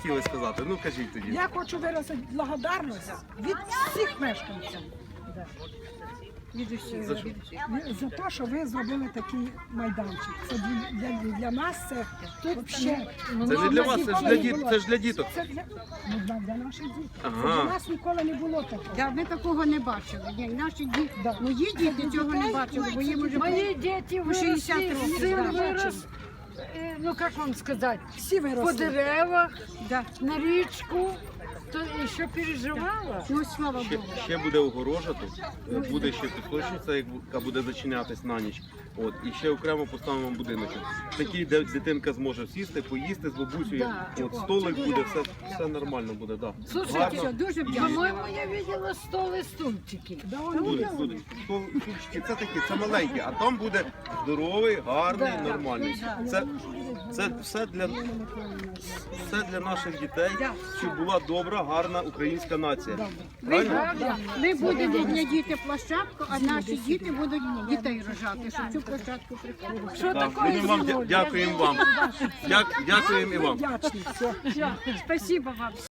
хотіли сказати? Ну кажіть тоді. Я хочу виразити благодарність від всіх мешканців. За те, що ви зробили такий майданчик. Це для нас це взагалі. Це ж для вас, це ж для діток. Це для наших дітей. Ага. Це для нас ніколи не було такого. Да, ми такого не бачили. Ні, наші діти, мої діти цього не бачили, бо їм уже Мои дети по 60 выросли, років. сын да. вырос, ну как вам сказать, Всі по виросли. деревах, Да. на речку, то еще переживала. Ну, слава Богу. Ще буде огорожа тут, буде ще пісочниця, яка буде зачинятись на ніч. От, і ще окремо поставимо будиночок. Такий, де дитинка зможе сісти, поїсти з бабусею. Да. От, столик буде, все нормально буде. Да. Слушайте, Все, дуже вдячна. по-моему, я видела стол и стульчики. Буде. Стульчики, це такі, це маленькі, а там буде здоровий, гарний, нормальний. Це все для наших дітей, щоб була добра, гарна українська нація. Правильно? Ми будемо для дітей площадку, а наші діти будуть дітей рожати, щоб цю площадку приходили. Что Да, такое будемо вам сегодня? дякуємо вам. Дякуємо і вам. Вдячні. Все. Спасибо вам.